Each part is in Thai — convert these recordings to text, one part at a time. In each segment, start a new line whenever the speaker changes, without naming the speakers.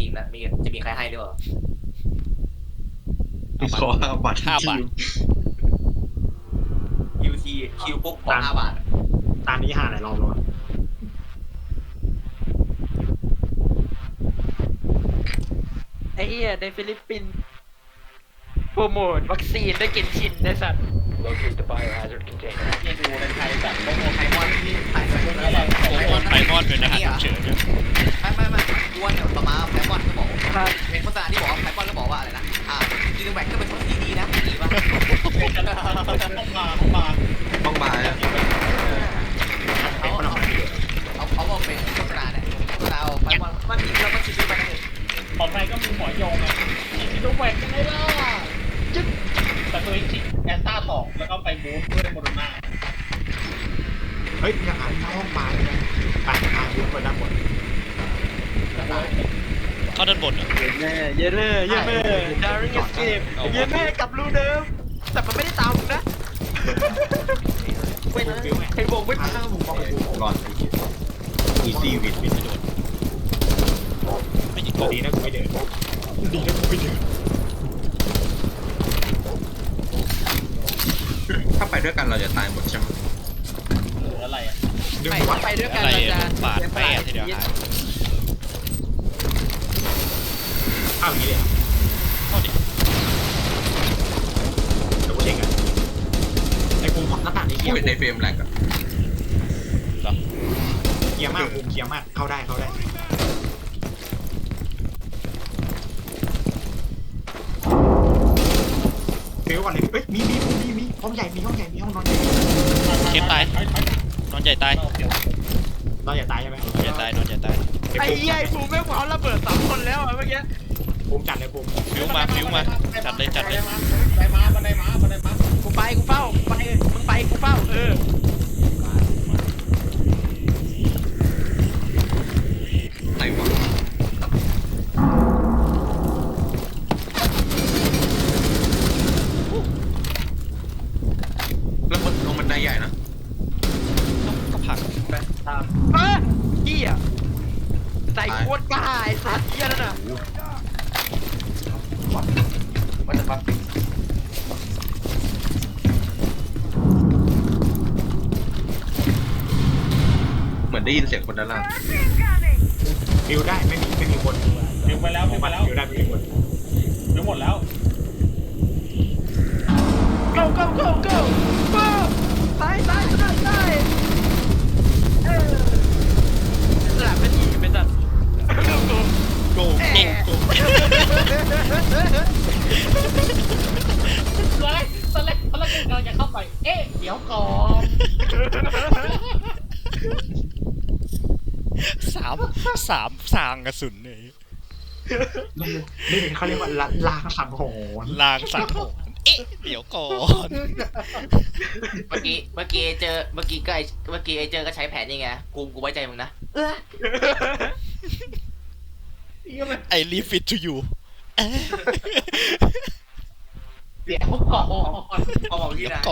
งนะจะมีใครให้หรือเปล่า
ขอ5 บาท
5 บาท
คิวปุ๊บขอ5 บาท
ตามนี้หาหลายรอบแล้ว
ไอ้เหี้ยในฟิลิปปินส์โปรโมทวัคซีนได้กินชินได้สัตว์
Locate the biohazard container.
ยังดูในไทยแบบโปรโมทไทมอนที่ไทยแบบนี้
ไทมอนเป็นอาหารเฉย
ไม่กวนเนี่ยต่อมาไทมอนก็บอกเป็นโฆษณาที่บอกไทมอนก็บอกว่าอะไรนะจีนแบกก็เป็นคนที่ดีนะดีป่ะ
ต้องมาอะ
เขาบอกเป็นโฆษณาเนี่ยโฆษณาไทมอนมันดีแล้วมันชิลไปเลย
ของไทยก็มีหมอยงไงฉีดโนแวคยังไงล่ะจึ๊บแต่ตัวเองฉีดแอสตรา2แล้วก็ไปบูสต์ด้วยโมเดอร์นา
เฮ้ยอย่าอ่านห้องมาเลยนะอ่านพูดไปด้านบน
ๆเข้าด้านบนเหรอ
เยเน่ดาริงเกมเยเน่กับรูเดิมแต่มันไม่ได้ตามนะไม่นะใครบอกไม่ตาม
รอดอีซี่วิด
ไม่โดนไม่ยิงกบ
ดีนะกูไม่เดินดีนะกูไม่เดิน
ถ้าไปด้วยกันเราจะตายหมดใช่ไหม
หรืออะไรอ่ะ
ดึง
ไม่
วัด
ไปด้วยกัน
อะไร
เราจะ
ปาดแป้ทีเดียวหาย
อ้าวอย่างนี้เลย
เข้าดิ
เดี๋ยวกูเช็คกันไอ้ภูมิหน้าต่างนี้เกีย
เป็นในเฟรมแหลกอะ
เหรอ
ร์มากภูมิเกียร์มากเข้าได้ฟิวก่อนเลยเฮ้ยมีห้องใหญ่มีห้องนอนใหญ่
เข้มตายนอนใหญ่ตาย
นอนอย่าตายใช่ไหม
นอนใหญ่ตายนอนใหญ่ตาย
ไอ้เหี้ยภูมิแม่งเผาระเบิด3 คนแล้วเมื่อกี้
ภูมิจัดเลยภูมิ
ฟิวมาจัดเลย
บันไดมา
กูเฝ้ามึงไปกูเฝ้า
ไหนวะแล้วมันลงบันไดใหญ่นะ
ก็ผลัก
เหี้ยใส่โคตรกล้าไอ้สัตว์เหี้ยนั่นน่ะ
ว่าจะฟัง
เหมือนได้ยินเสียงคนด้านล่าง
ฟิวได้ไม่มีคน
ฟิวไปแล้ว
ฟิวได้ไม่มีคน
ฟิวหมดแล้ว
goตายสลับเป็นอีกเป็นสัตว์
โกเก่งโก
ตอนแรกเราจะเข้าไปเอ๊ะเดี๋ยวก่อน
สามสางกระสุนเลย
นี่เป็นเขาเรียกว่าลางสังหรณ์
ลางสังหรณ์เดี๋ยวก่อน
เมื่อกี้ไอ้เจอก็ใช้แผนยังไงกูไว้ใจมึงนะ
ไอรีฟิตทูยู
เดี๋ยวก่อน
เอาบอกพี่
เดี๋ยว
นะ
ก่อน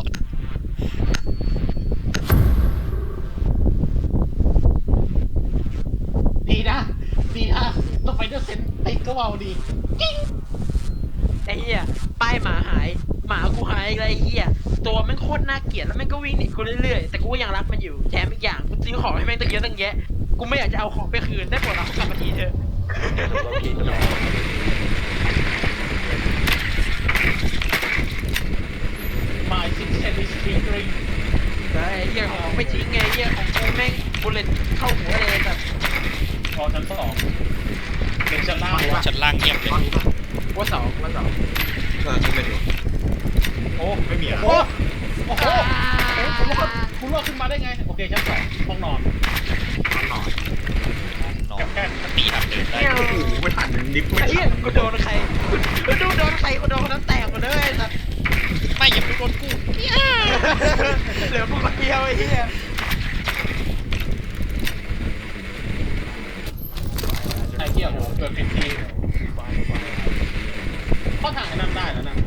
ดีนะต้องไปด้วยเซนติดก็เบาดี
ไอ้เหี้ยป้ายหมาหายหมากูหายอะไรไอ้เหี้ยตัวแม่งโคตรน่าเกลียดแล้วแม่งก็วิ่งหนีกูเรื่อยๆแต่กูก็ยังรักมันอยู่แถมอีกอย่างกูซื้อของให้แม่งตั้งเยอะตั้งแยะกูไม่อยากจะเอาของไปคืนได้โปรดเอากลับมาทีเถอะ
Locate the bomb.
มาซิกเซนดิสฟิงริง
ไอ้เหี้ยของไม่ทิ้งไงไอ้เหี้ยของกูแม่งบุลเลตเข้าหัวเลยแบบ
พอชั้น2เป็นชั้นล่าง
ชั้นล่างเงียบเลย
ตอนนี้ป่ะ
ว่าสอง
ที่ไม่ดู
โอ้
ไม่มีอ่ะ
โหคุณรอดขึ้นมาได้ไงโอเคชั้น2ห้องนอน
นอน
นอนตีหักเดินได้
โอ้โหไม่ทันลิฟต์ไม่
ไอ้
ทั
เหี้ย
น
กูโดนใครกูโดนใครกูโดนคนนั้นแตกหมดเลยแต่
ไม่อย่าไปโดนกู
เหลือพวกคนเดียวไอ้เหี้ย
ไอ้เหี้ยโหเกิดผิดทีเข้าทางนั่นได้แล้วนะ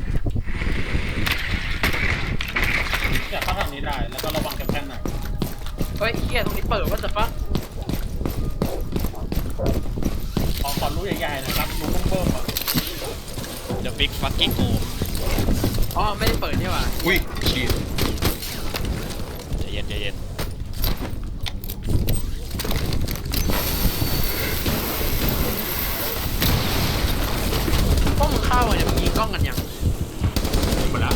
อยากเข้าทางนี้ได้แล้วก็ระวังกับแค่ไหน
เฮ้ยเหี้ยตรงนี้เปิดว่าจะปะ
ขอลุยใหญ่ๆนะครับรูเบิ่มๆอ่ะ
The Big Fucking O
อ๋อไม่ได้เปิดนี่หว่า
อุ้ยชีด
ใจเย็นใจเย็น
พวกมึงเข้ามาเนี่ยมึงยิงกล้องกันยัง
หมดแล้ว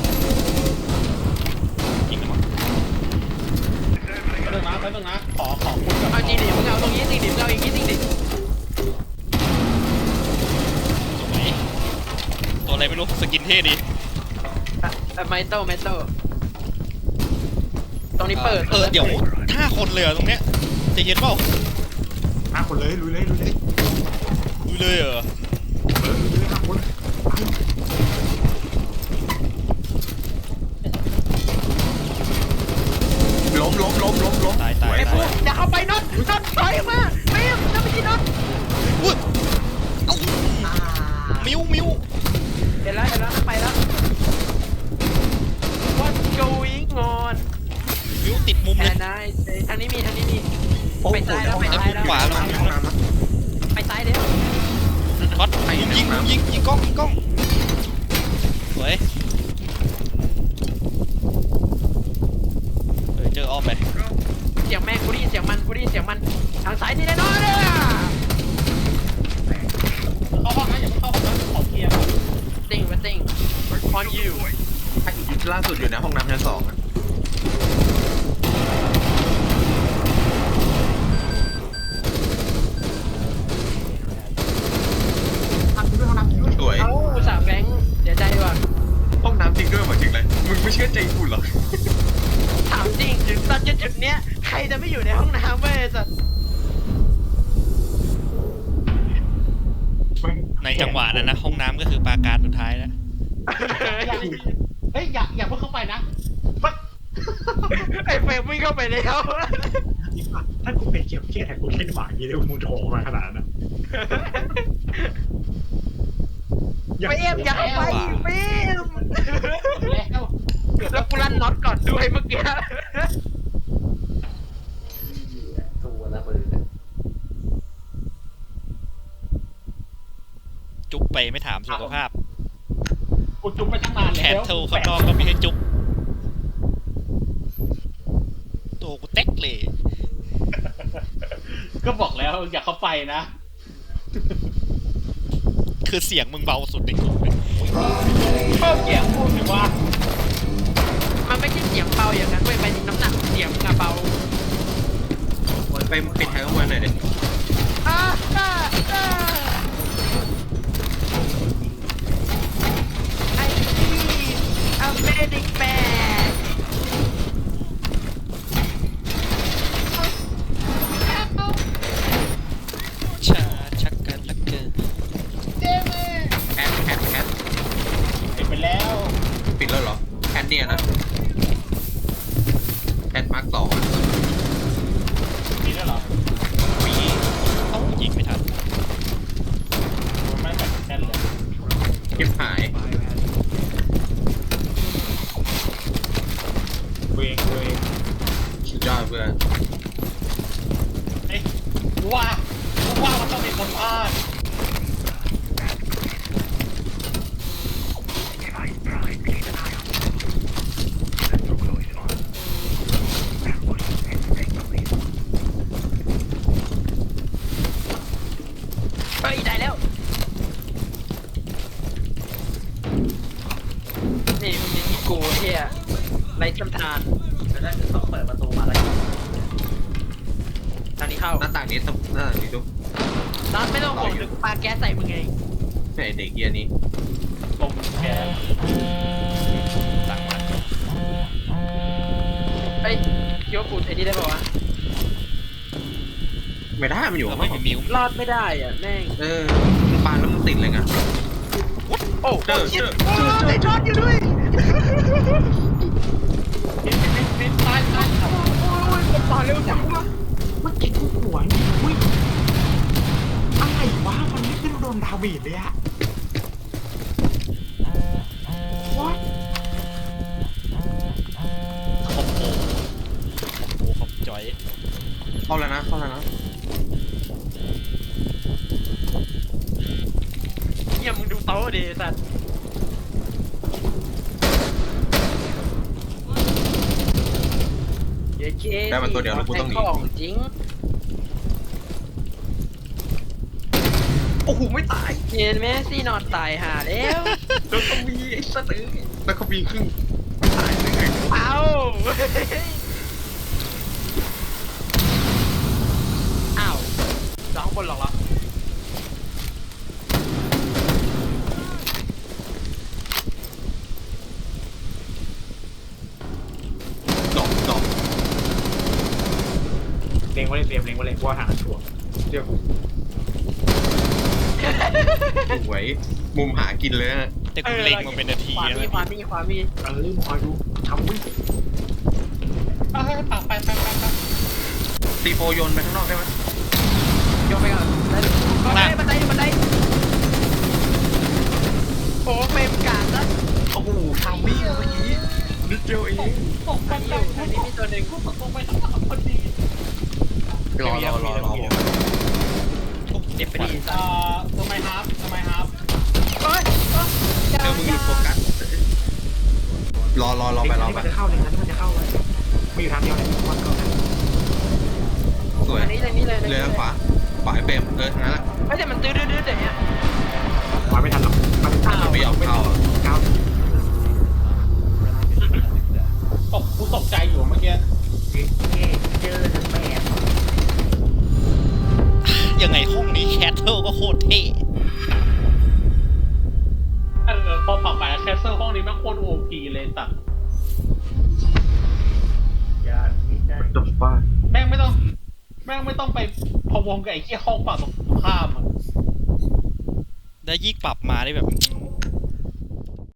ยิงกันมั้ง
ไปเรื่องนะขอคุยกับ
เอาจริงดิมึงเอาตรงนี้จริงดิมึงเอาอย่างนี้จริงดิ
ตรงไหนตัวอะไรไม่รู้สกินเท่ดี
ไมโต้ตรงนี้เปิด
เดี๋ยว5 คนเลยเหรอตรงเนี้ยใจเย็นเปล่า
5 คนเลยลุยเลย
ดูเลยเหรอ
ลุยเลย5 คน
ล้ม
ตาย
ไอ้พวกอย่าเข้าไปน็อตถอยออกมาไม่จะไม่ใช่น็อต
อุ้ยเอ้ามิว
เห็นแล้วไปแล้ว What's going on
มิวติดมุมเลย
and I say ทางนี้มีไปซ้ายแล้ว
ขวาลง
ไปซ้ายเดี๋ยว
ช็อตยิงกล้องสวยเจอออฟไป
เสียงแม่งกูได้ยินเสียงมันทางซ้ายนี่แน่นอนเลย
เข้าห้องนะอย่าเพิ่งเข้าห้องนะขอเคลียร์ก่อน
ติ้ง on you
ล่าสุดอยู่ในห้องน้ำชั้น 2อะ
ทำด้วยห้องน้ำด้วย
สวย
เอ้าอุตส่าห์แบงค์เสียใจว่ะ
ห้องน้ำจริงด้วยเหมือนจริงเลยมึงไม่เชื่อใจกูเหรอ
ถามจริงถึงตอนจุดเนี้ยใครจะไม่อยู่ในห้องน้ำเว้ยสัส
ในจังหวะนั้นนะห้องน้ำก็คือปราการสุดท้ายแล้ว
เฮ้ยอย่าเพิ่งเข้าไปนะ
ไอ้เฟรมวิ่งเข้าไปแล้ว
ถ้ากูเป็นเก็บเครียดแทนกูเล่นหมาอย่างนี้เลยมึงโถมาขนาดนั้น
เฟรมอย่าเข้าไปเฟรม
แล้ว
แล้วกูลั่นน็อตก่อนด้วยเมื่อกี้
ตัวละมือ
จุ๊บไปไม่ถามสุขภาพ
กูจุ๊บไปตั้งนาน
แข
แล้
น
ว
เท่าข้างนอกก็ไม่ให้จุ๊บตัวกูเต็กเลย
ก็บอกแล้วอย่าเข้าไปนะ
คือเสียงมึงเบาสุดในกลุ่มเลย
เพิ่มเสียงพูดถึงว่า
มันไม่ใช่เสียงเบาอย่างนั้นเว้ยเป็นน้ำหนักเสียงอะเบา
ไปปิดท้ายข้างบนหน่อยดิ
ไอ้ที่อเมริกแบก
ชาชักกันละเกิน
แคท
ปิดไปแล้ว
ปิดแล้วเหรอแคทเนี่ยนะแคทมาร์ค 2
ปิดแล้วเหรอ
มีเอ้ายิงไม่ทัน
มันไม่แบบแน่นเลย
คลิปหาย
เวง
สุดยอดเพื่อน
เฮ้ยกูว่ามันต้องมีคนพลาด
เฮ้ยได้แล้ว นี่มึงจะยิงกูเฮียไรจำทาน
แต่ถ้าต้องเปิดประตูมาแล้ว
ทางนี้เข้า
หน้าต่างนี้ดู
ตอนไม่ต้องห่วงเดี๋ยวกูปาแก๊สใส่มึงไง
ไหนเด็กเกียร์นี้
ลงแก
ต่างมัน
เฮ้ยคิดว่ากูไอ้นี่ได้ป่าวะ
ไม่ได้มันอยู่
ก็
ข้างน
ไม่
อก
มีมิว
รอดไม่ได้อ่ะแม่ง
ปาแล้วมันติดเลยไง
โอ้
เจอ
ไอ้ช็อตอยู่ด้วย
ปิดตาย
โอ้ยต่อเร็วจังวะ
เมื่อกี้กูหัวนี่อุ้ยอะไรวะมันไม่ขึ้นโดนดาเมจเลยอะwhat
คอมโบคอมจอย
เข้าแล้วนะ
ดิสัตว์เย้เจ๊
ได้มาตัวเดียวแล้วกูต้องหนี
ของจริง
โอ้โหไม่ตาย
เย็นแม่ซี่นอนตายหาแล้ว
แล้วก็มีไอ้สัตว์แล้วก็มีครึ่งตายได้ไง
เอา อ้าวสองคนหรอกเหรอ
ดอก
เล็งไว้เลยเตรียมเล็งไว้เลยว่าทางนั้นชัวร์เชื่อกู
สวยมุมหากินเลยนะ
แต่กูเล็งมาเป็นนาที
ขวา
แล้ว
มี
นะ
ขวามีขวามี
รีบคอยดูทำวิ่ง
ไป
ตีโฟโยนไปข้างนอกได้ไหม
โยนไปก่อนได้บันไดบันไดโอ้เฟรมกาดนะ
โอ้โหทำวิ่งเมื่อกี้นิดเดียวเอง
ตกไป
อันนี้อยู่อันนี้มีตัวหนึ่ง
กูตกลงไปทั้งสามคนดี
รอ
เด็บไปดี
ทำไมฮาร์ฟ
เฮ้ย
เดี๋ยวมึงหยุดโฟกัสรอไป
มันจะเข้าเลยนั้นมันจะเข้าเลยมีอยู่ทางเดียวเลยวันก่อน
สวย
อันนี้เลยนี่เลย
เรือทางขวาไอ้เฟรมทางนั้นแหละ
ไม่แต่มันตื้อดื้ออย่างเงี้ย
มาไม่ทันหรอกมันไม่ทัน
ไม่ยอมเข้า
ก้าว
กูตกใจอยู่เมื่อกี้
เจอทั้งแม่
ยังไงห้องนี้แคทเทิลก็โคตรเท่
พอปรับไปแคสเซิลห้องนี้แม่งโคตรโอพีเลยสัตว์
ยากที่ได้
จบว่า
แม่งไม่ต้องไปพะวงกับไอ้เหี้ยห้องฝั่งตรงข้ามอ่ะ
ได้ยิ่งปรับมาได้แบบ